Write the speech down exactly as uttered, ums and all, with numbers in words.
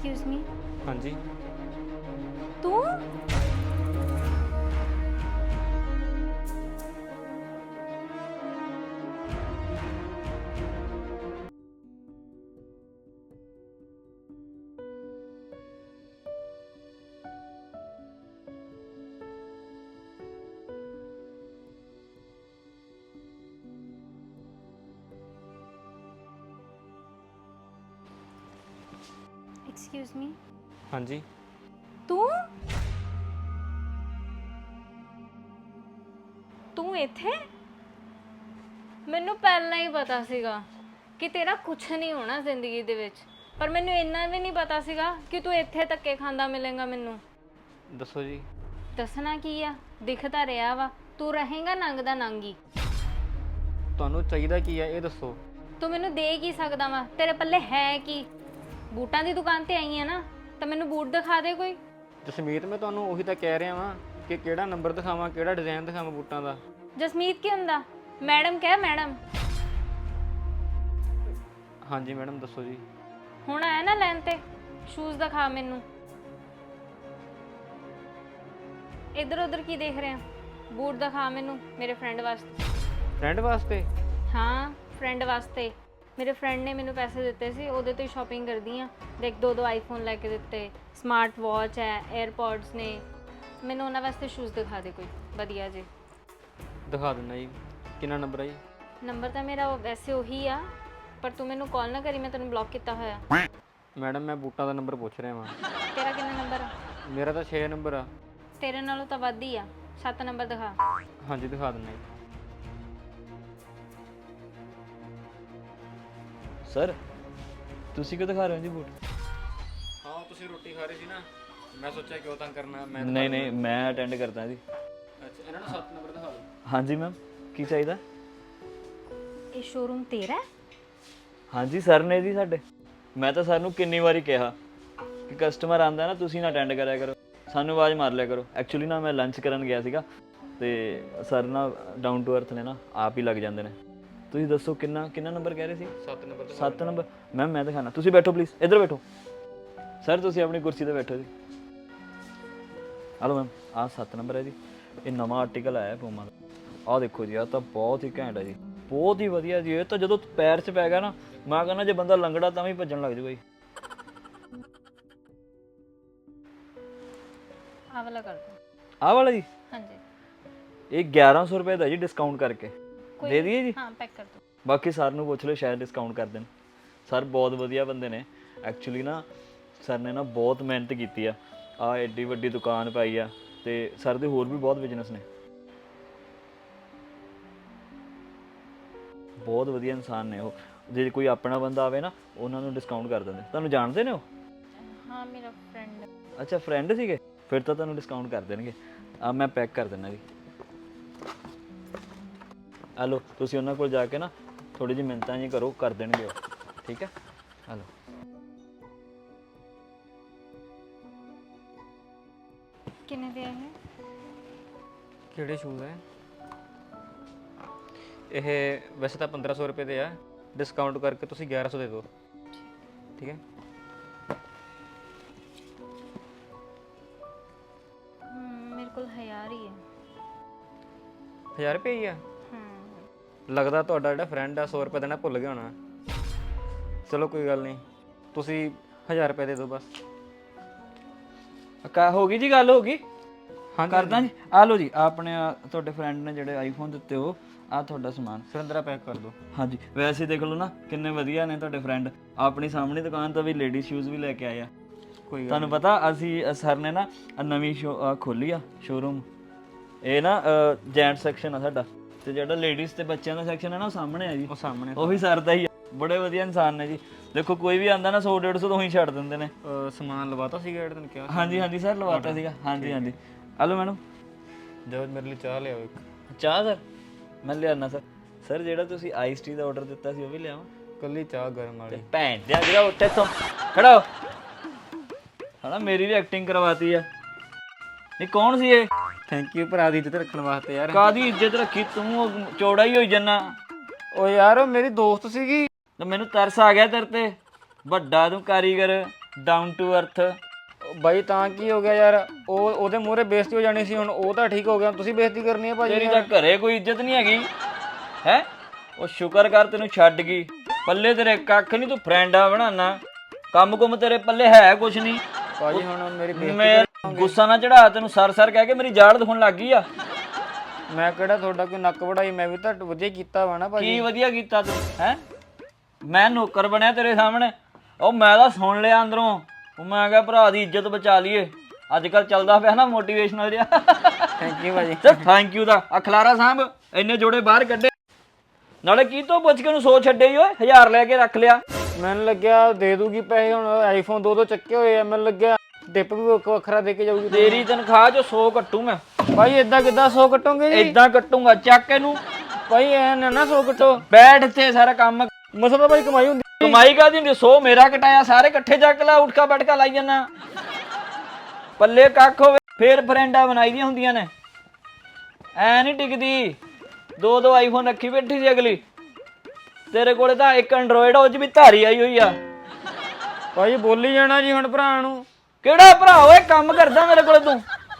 Excuse me हाँ जी तू excuse me हाँ जी तू ਤੂੰ ਇੱਥੇ ਮੈਨੂੰ ਪਹਿਲਾਂ ਹੀ ਪਤਾ ਸੀਗਾ ਕਿ ਤੇਰਾ ਕੁਝ ਨਹੀਂ ਹੋਣਾ ਜ਼ਿੰਦਗੀ ਦੇ ਵਿੱਚ ਪਰ ਮੈਨੂੰ ਇੰਨਾ ਵੀ ਨਹੀਂ ਪਤਾ ਸੀਗਾ ਕਿ ਤੂੰ ਇੱਥੇ ਧੱਕੇ ਖਾਂਦਾ ਮਿਲੇਗਾ ਮੈਨੂੰ दसो जी ਦੱਸਣਾ ਕੀ ਆ ਦਿਖਦਾ ਰਿਹਾ ਵਾ ਤੂੰ ਰਹੇਗਾ ਨੰਗ ਦਾ ਨੰਗੀ ਤੁਹਾਨੂੰ ਚਾਹੀਦਾ ਕੀ ਹੈ ਇਹ ਦੱਸੋ ਤੂੰ ਮੈਨੂੰ ਦੇ ਕੀ ਸਕਦਾ ਵਾ ਤੇਰੇ ਪੱਲੇ ਹੈ ਕੀ ਬੂਟਾਂ ਦੀ ਦੁਕਾਨ ਤੇ ਆਈ ਆ ਨਾ ਤਾਂ ਮੈਨੂੰ ਬੂਟ ਦਿਖਾ ਦੇ ਕੋਈ ਜਸਮੀਤ ਮੈਂ ਤੁਹਾਨੂੰ ਉਹੀ ਤਾਂ ਕਹਿ ਰਿਹਾ ਵਾਂ ਕਿ ਕਿਹੜਾ ਨੰਬਰ ਦਿਖਾਵਾਂ ਕਿਹੜਾ ਡਿਜ਼ਾਈਨ ਦਿਖਾਵਾਂ ਬੂਟਾਂ ਦਾ ਜਸਮੀਤ ਕੀ ਹੁੰਦਾ ਮੈਡਮ ਕਹਿ ਮੈਡਮ ਹਾਂਜੀ ਮੈਡਮ ਦੱਸੋ ਜੀ ਹੁਣ ਆਇਆ ਨਾ ਲੈਣ ਤੇ ਸ਼ੂਜ਼ ਦਿਖਾ ਮੈਨੂੰ ਇੱਧਰ ਉੱਧਰ ਕੀ ਦੇਖ ਰਿਹਾ ਬੂਟ ਦਿਖਾ ਮੈਨੂੰ ਮੇਰੇ ਫਰੈਂਡ ਵਾਸਤੇ ਫਰੈਂਡ ਵਾਸਤੇ ਹਾਂ ਫਰੈਂਡ ਵਾਸਤੇ ਮੇਰੇ ਫਰੈਂਡ ਨੇ ਮੈਨੂੰ ਪੈਸੇ ਦਿੱਤੇ ਸੀ ਉਹਦੇ ਤੋਂ ਹੀ ਸ਼ਾਪਿੰਗ ਕਰਦੀ ਆ ਦੇਖ ਦੋ ਦੋ ਆਈਫੋਨ ਲੈ ਕੇ ਦਿੱਤੇ ਸਮਾਰਟ ਵਾਚ ਹੈ 에ਅਰਪੋਡਸ ਨੇ ਮੈਨੂੰ ਉਹਨਾਂ ਵਾਸਤੇ ਸ਼ੂਜ਼ ਦਿਖਾ ਦੇ ਕੋਈ ਵਧੀਆ ਜੇ ਦਿਖਾ ਦਿੰਦਾ ਜੀ ਕਿੰਨਾ ਨੰਬਰ ਹੈ ਜੀ ਨੰਬਰ ਤਾਂ ਮੇਰਾ ਵੈਸੇ ਉਹੀ ਆ ਪਰ ਤੂੰ ਮੈਨੂੰ ਕਾਲ ਨਾ ਕਰੀ ਮੈਂ ਤੈਨੂੰ ਬਲੌਕ ਕੀਤਾ ਹੋਇਆ ਮੈਡਮ ਮੈਂ ਬੂਟਾਂ ਦਾ ਨੰਬਰ ਪੁੱਛ ਰਿਹਾ ਵਾਂ ਤੇਰਾ ਕਿੰਨਾ ਨੰਬਰ ਆ ਮੇਰਾ ਤਾਂ ਛੇ ਨੰਬਰ ਆ ਤੇਰੇ ਨਾਲੋਂ ਤਾਂ ਵੱਧ ਹੀ ਆ ਸੱਤ ਨੰਬਰ ਦਿਖਾ ਹਾਂਜੀ ਦਿਖਾ ਦਿੰਦਾ ਜੀ ਸਰ ਤੁਸੀਂ ਕਿਉਂ ਦਿਖਾ ਰਹੇ ਹੋ ਜੀ ਬੂਟ ਹਾਂ ਤੁਸੀਂ ਰੋਟੀ ਖਾ ਰਹੇ ਸੀ ਨਾ ਮੈਂ ਸੋਚਿਆ ਕਿਉਂ ਤੰਗ ਕਰਨਾ ਮੈਂ ਨਹੀਂ ਨਹੀਂ ਮੈਂ ਅਟੈਂਡ ਕਰਦਾ ਜੀ ਅੱਛਾ ਇਹਨਾਂ ਨੂੰ ਸੱਤ ਨੰਬਰ ਦਿਖਾ ਦਿਓ ਹਾਂਜੀ ਮੈਮ ਕੀ ਚਾਹੀਦਾ ਇਹ ਸ਼ੋਰੂਮ ਤੇਰਾ ਹੈ ਹਾਂਜੀ ਸਰ ਨੇ ਜੀ ਸਾਡੇ ਮੈਂ ਤਾਂ ਸਰ ਨੂੰ ਕਿੰਨੀ ਵਾਰੀ ਕਿਹਾ ਕਿ ਕਸਟਮਰ ਆਂਦਾ ਨਾ ਤੁਸੀਂ ਨਾ ਅਟੈਂਡ ਕਰਿਆ ਕਰੋ ਸਾਨੂੰ ਆਵਾਜ਼ ਮਾਰ ਲਿਆ ਕਰੋ ਐਕਚੁਅਲੀ ਨਾ ਮੈਂ ਲੰਚ ਕਰਨ ਗਿਆ ਸੀਗਾ ਤੇ ਸਰ ਨਾ ਡਾਊਨ ਟੂ ਅਰਥ ਨੇ ਨਾ ਆਪ ਹੀ ਲੱਗ ਜਾਂਦੇ ਨੇ ਤੁਸੀਂ ਦੱਸੋ ਕਿੰਨਾ ਕਿੰਨਾ ਨੰਬਰ ਕਹਿ ਰਹੇ ਸੀ ਸੱਤ ਨੰਬਰ ਦਿਖਾ ਸੱਤ ਨੰਬਰ ਮੈਮ ਮੈਂ ਦਿਖਾਣਾ ਤੁਸੀਂ ਬੈਠੋ ਪਲੀਜ਼ ਇੱਧਰ ਬੈਠੋ ਸਰ ਤੁਸੀਂ ਆਪਣੀ ਕੁਰਸੀ ਤੇ ਬੈਠੋ ਜੀ ਹਲੋ ਮੈਮ ਆਹ ਸੱਤ ਨੰਬਰ ਹੈ ਜੀ ਇਹ ਨਵਾਂ ਆਰਟੀਕਲ ਆਇਆ ਪੂਮਾ ਦਾ ਆਹ ਦੇਖੋ ਜੀ ਆਹ ਤਾਂ ਬਹੁਤ ਹੀ ਘੈਂਟ ਹੈ ਜੀ ਬਹੁਤ ਹੀ ਵਧੀਆ ਜੀ ਇਹ ਤਾਂ ਜਦੋਂ ਪੈਰ 'ਚ ਪੈ ਗਿਆ ਨਾ ਮੈਂ ਕਹਿੰਦਾ ਜੇ ਬੰਦਾ ਲੰਗੜਾ ਤਾਂ ਵੀ ਭੱਜਣ ਲੱਗ ਜੂਗਾ ਜੀ ਆਹ ਵਾਲਾ ਕਰ ਦੋ ਆਹ ਵਾਲਾ ਜੀ ਹਾਂਜੀ ਇਹ ਗਿਆਰਾਂ ਸੌ ਰੁਪਏ ਦਾ ਜੀ ਡਿਸਕਾਊਂਟ ਕਰਕੇ ਦੇ ਦਈਏ ਜੀ ਹਾਂ ਪੈਕ ਕਰ ਦੋ ਬਾਕੀ ਸਰ ਨੂੰ ਪੁੱਛ ਲਓ ਸ਼ਾਇਦ ਡਿਸਕਾਊਂਟ ਕਰ ਦੇਣ ਸਰ ਬਹੁਤ ਵਧੀਆ ਬੰਦੇ ਨੇ ਐਕਚੁਅਲੀ ਨਾ ਸਰ ਨੇ ਨਾ ਬਹੁਤ ਮਿਹਨਤ ਕੀਤੀ ਆ ਆ ਐਡੀ ਵੱਡੀ ਦੁਕਾਨ ਪਾਈ ਆ ਤੇ ਸਰ ਦੇ ਹੋਰ ਵੀ ਬਹੁਤ ਬਿਜ਼ਨਸ ਨੇ ਬਹੁਤ ਵਧੀਆ ਇਨਸਾਨ ਨੇ ਉਹ ਜੇ ਕੋਈ ਆਪਣਾ ਬੰਦਾ ਆਵੇ ਨਾ ਉਹਨਾਂ ਨੂੰ ਡਿਸਕਾਊਂਟ ਕਰ ਦਿੰਦੇ ਤੁਹਾਨੂੰ ਜਾਣਦੇ ਨੇ ਉਹ ਹਾਂ ਮੇਰਾ ਫਰੈਂਡ ਅੱਛਾ ਫਰੈਂਡ ਸੀਗੇ ਫਿਰ ਤਾਂ ਤੁਹਾਨੂੰ ਡਿਸਕਾਊਂਟ ਕਰ ਦੇਣਗੇ ਆ ਮੈਂ ਪੈਕ ਕਰ ਦਿੰਦਾ ਜੀ ਹਲੋ ਤੁਸੀਂ ਉਹਨਾਂ ਕੋਲ ਜਾ ਕੇ ਨਾ ਥੋੜੀ ਜਿਹੀ ਮਿੰਨਤਾਂ ਜੀ ਕਰੋ ਕਰ ਦੇਣਗੇ ਉਹ ਠੀਕ ਹੈ ਹਲੋ ਕਿੰਨੇ ਦੇ ਹੈ ਕਿਹੜੇ ਸ਼ੂਜ਼ ਹੈ ਇਹ ਵੈਸੇ ਤਾਂ ਪੰਦਰਾਂ ਸੌ ਰੁਪਏ ਦੇ ਆ ਡਿਸਕਾਊਂਟ ਕਰਕੇ ਤੁਸੀਂ ਗਿਆਰਾਂ ਸੌ ਦੇ ਦਿਓ ਠੀਕ ਹੈ ਮੇਰੇ ਕੋਲ ਹਜ਼ਾਰ ਹੀ ਹੈ ਹਜ਼ਾਰ ਰੁਪਏ ਹੀ ਆ ਹੂੰ ਲੱਗਦਾ ਤੁਹਾਡਾ ਜਿਹੜਾ ਫਰੈਂਡ ਆ ਸੌ ਰੁਪਏ ਦੇਣਾ ਭੁੱਲ ਗਿਆ ਹੋਣਾ ਚਲੋ ਕੋਈ ਗੱਲ ਨਹੀਂ ਤੁਸੀਂ ਹਜ਼ਾਰ ਰੁਪਏ ਦੇ ਦਿਓ ਬਸ ਕਾ ਹੋ ਗਈ ਜੀ ਗੱਲ ਹੋ ਗਈ ਹਾਂ ਕਰਦਾ ਜੀ ਆ ਲਓ ਜੀ ਆਹ ਆਪਣੇ ਆਹ ਤੁਹਾਡੇ ਫਰੈਂਡ ਨੇ ਜਿਹੜੇ ਆਈਫੋਨ ਦਿੱਤੇ ਹੋ ਆ ਤੁਹਾਡਾ ਸਮਾਨ ਸੁਰਿੰਦਰਾ ਪੈਕ ਕਰ ਦਿਓ ਹਾਂਜੀ ਵੈਸੇ ਦੇਖ ਲਓ ਨਾ ਕਿੰਨੇ ਵਧੀਆ ਨੇ ਤੁਹਾਡੇ ਫਰੈਂਡ ਆਪਣੀ ਸਾਹਮਣੀ ਦੁਕਾਨ ਤੋਂ ਵੀ ਲੇਡੀ ਸ਼ੂਜ਼ ਵੀ ਲੈ ਕੇ ਆਏ ਆ ਕੋਈ ਗੱਲ ਤੁਹਾਨੂੰ ਪਤਾ ਅਸੀਂ ਸਰ ਨੇ ਨਾ ਆਹ ਨਵੀਂ ਸ਼ੋ ਖੋਲੀ ਆ ਸ਼ੋਰੂਮ ਇਹ ਨਾ ਜੈਂਟ ਸੈਕਸ਼ਨ ਆ ਸਾਡਾ ਤੇ ਜਿਹੜਾ ਲੇਡੀਜ਼ ਤੇ ਬੱਚਿਆਂ ਦਾ ਸੈਕਸ਼ਨ ਹੈ ਨਾ ਉਹ ਸਾਹਮਣੇ ਆ ਜੀ ਉਹ ਸਾਹਮਣੇ ਉਹ ਵੀ ਸਰ ਦਾ ਹੀ ਆ ਬੜੇ ਵਧੀਆ ਇਨਸਾਨ ਨੇ ਜੀ ਦੇਖੋ ਕੋਈ ਵੀ ਆਂਦਾ ਨਾ ਸੌ ਡੇਢ ਸੌ ਤੋਂ ਹੀ ਛੱਡ ਦਿੰਦੇ ਨੇ ਅਹ ਸਮਾਨ ਲਵਾਤਾ ਸੀਗਾ ਜਿਹੜਾ ਤੈਨੂੰ ਕਿਹਾ ਹਾਂਜੀ ਹਾਂਜੀ ਸਰ ਲਵਾਤਾ ਸੀਗਾ ਹਾਂਜੀ ਹਾਂਜੀ ਹਲੋ ਮੈਡਮ ਜਦ ਮੇਰੇ ਲਈ ਚਾਹ ਲਿਆਓ ਇੱਕ ਚਾਹ ਸਰ ਮੈਂ ਲਿਆਣਾ ਸਰ ਸਰ ਜਿਹੜਾ ਤੁਸੀਂ ਆਈਸ ਟੀ ਦਾ ਆਰਡਰ ਦਿੱਤਾ ਸੀ ਉਹ ਵੀ ਲਿਆਵਾਂ ਕੱਲੀ ਚਾਹ ਗਰਮ ਵਾਲੀ ਭੈਣ ਦਿਆ ਜਿਹੜਾ ਉੱਠੇ ਤੋਂ ਖੜਾ ਹੋ ਹਣਾ ਮੇਰੀ ਵੀ ਐਕਟਿੰਗ ਕਰਵਾਤੀ ਆ ਇਹ ਕੌਣ ਸੀ ਇਹ ਥੈਂਕ ਯੂ ਭਰਾ ਦੀ ਇੱਜ਼ਤ ਰੱਖਣ ਵਾਸਤੇ ਯਾਰ ਕਾਦੀ ਇੱਜ਼ਤ ਰੱਖੀ ਤੂੰ ਚੌੜਾ ਹੀ ਹੋਈ ਜੰਨਾ ਓ ਯਾਰ ਉਹ ਮੇਰੀ ਦੋਸਤ ਸੀਗੀ ਤੇ ਮੈਨੂੰ ਤਰਸ ਆ ਗਿਆ ਤੇਰੇ ਤੇ ਵੱਡਾ ਤੂੰ ਕਾਰੀਗਰ ਡਾਊਨ ਟੂ ਅਰਥ। ਬਾਈ ਤਾਂ ਕੀ ਹੋ ਗਿਆ ਯਾਰ, ਉਹ ਉਹਦੇ ਮੂਹਰੇ ਬੇਇੱਜ਼ਤੀ ਹੋ ਜਾਣੀ ਸੀ, ਹੁਣ ਉਹ ਤਾਂ ਠੀਕ ਹੋ ਗਿਆ, ਤੁਸੀਂ ਬੇਇੱਜ਼ਤੀ ਕਰਨੀ ਹੈ ਭਾਜੀ ਤੇਰੀ ਤਾਂ ਘਰੇ ਕੋਈ ਇੱਜ਼ਤ ਨਹੀਂ ਹੈਗੀ ਹੈ। ਉਹ ਸ਼ੁਕਰ ਕਰ ਤੈਨੂੰ ਛੱਡ ਗਈ, ਪੱਲੇ ਤੇਰੇ ਕੱਖ ਨਹੀਂ, ਤੂੰ ਫਰੈਂਡਾ ਬਣਾਣਾ, ਕੰਮ ਕੁਮ ਤੇਰੇ ਪੱਲੇ ਹੈ ਕੁਛ ਨਹੀਂ। ਭਾਜੀ ਹੁਣ ਮੇਰੀ ਬੇਇੱਜ਼ਤੀ ਮੈਂ ਗੁੱਸਾ ਨਾ ਚੜਾ, ਤੈਨੂੰ ਸਰ ਸਰ ਕਹਿ ਕੇ ਮੇਰੀ ਜਾੜ ਦਿਖਾਉਣ ਲੱਗ ਗਈ ਆ। ਮੈਂ ਕਿਹੜਾ ਤੁਹਾਡਾ ਕੋਈ ਨੱਕ ਵੜਾਈ, ਮੈਂ ਵੀ ਤਾਂ ਵਧੀਆ ਕੀਤਾ ਵਾ ਨਾ ਕੀ ਭਾਜੀ। ਵਧੀਆ ਕੀਤਾ ਤੂੰ ਹੈ, ਮੈਂ ਨੌਕਰ ਬਣਿਆ ਤੇਰੇ ਸਾਹਮਣੇ। ਉਹ ਮੈਂ ਤਾਂ ਸੁਣ ਲਿਆ ਅੰਦਰੋਂ, ਉਹ ਮੈਂ ਕਿਹਾ ਭਰਾ ਦੀ ਇੱਜ਼ਤ ਬਚਾ ਲਈਏ, ਅੱਜ ਕੱਲ ਚੱਲਦਾ ਪਿਆ ਨਾ ਮੋਟੀਵੇਸ਼ਨਲ ਜਿਹਾ। ਥੈਂਕ ਯੂ ਭਾਜੀ। ਤੇ ਥੈਂਕ ਯੂ ਦਾ ਅਖਲਾਰਾ ਸਾਹਿਬ ਇੰਨੇ ਜੋੜੇ ਬਾਹਰ ਕੱਢੇ, ਨਾਲੇ ਕੀ ਤੋਂ ਪੁੱਛ ਕੇ ਉਹਨੂੰ ਸੋ ਛੱਡੇ ਹੀ ਓਏ, ਹਜ਼ਾਰ ਲੈ ਕੇ ਰੱਖ ਲਿਆ। ਮੈਨੂੰ ਲੱਗਿਆ ਦੇ ਦੂਗੀ ਪੈਸੇ, ਹੁਣ ਆਈਫੋਨ ਦੋ ਦੋ ਚੱਕੇ ਹੋਏ ਆ, ਮੈਨੂੰ ਲੱਗਿਆ ਡਿਪ ਵੀ ਵੱਖ- ਵੱਖਰਾ ਦੇ ਕੇ ਜਾਊਗੀ। ਤੇਰੀ ਤਨਖਾਹ ਚੋਂ ਸੌ ਕੱਟੂ ਮੈਂ। ਭਾਈ ਏਦਾਂ ਕਿੱਦਾਂ ਸੌ ਕੱਟੋਗੇ ਜੀ? ਏਦਾਂ ਕੱਟੂਗਾ, ਚੱਕ ਇਹਨੂੰ। ਭਾਈ ਐ ਨਾ ਨਾ ਸੌ ਕੱਟੋ, ਬੈਠ ਇੱਥੇ, ਸਾਰਾ ਕੰਮ ਮਸਾ ਤਾਂ ਭਾਈ ਕਮਾਈ ਹੁੰਦੀ। ਕਮਾਈ ਕਾਹਦੀ ਹੁੰਦੀ, ਸੌ ਮੇਰਾ ਕਟਾਇਆ, ਸਾਰੇ ਇਕੱਠੇ ਚੱਕ ਲਾ, ਉਠਕਾ ਬੈਠਕਾ ਲਾਈ ਜਾਣਾ, ਪੱਲੇ ਕੱਖ ਹੋਵੇ ਫੇਰ ਫਰੈਂਡਾਂ ਬਣਾਈ ਦੀਆਂ ਹੁੰਦੀਆਂ ਨੇ, ਐ ਨਹੀਂ ਟਿਕਦੀ। ਦੋ ਦੋ ਆਈਫੋਨ ਰੱਖੀ ਬੈਠੀ ਸੀ ਅਗਲੀ, ਤੇਰੇ ਕੋਲੇ ਤਾਂ ਇੱਕ ਐਂਡਰੋਇਡ, ਉਹ ਚ ਵੀ ਧਾਰੀ ਆਈ ਹੋਈ ਆ। ਭਾਈ ਬੋਲੀ ਜਾਣਾ ਜੀ ਹੁਣ ਭਰਾ ਨੂੰ। ਕਿਹੜਾ ਭਰਾ ਓਏ, ਕੰਮ ਕਰਦਾ ਮੇਰੇ ਕੋਲੇ ਤੂੰ?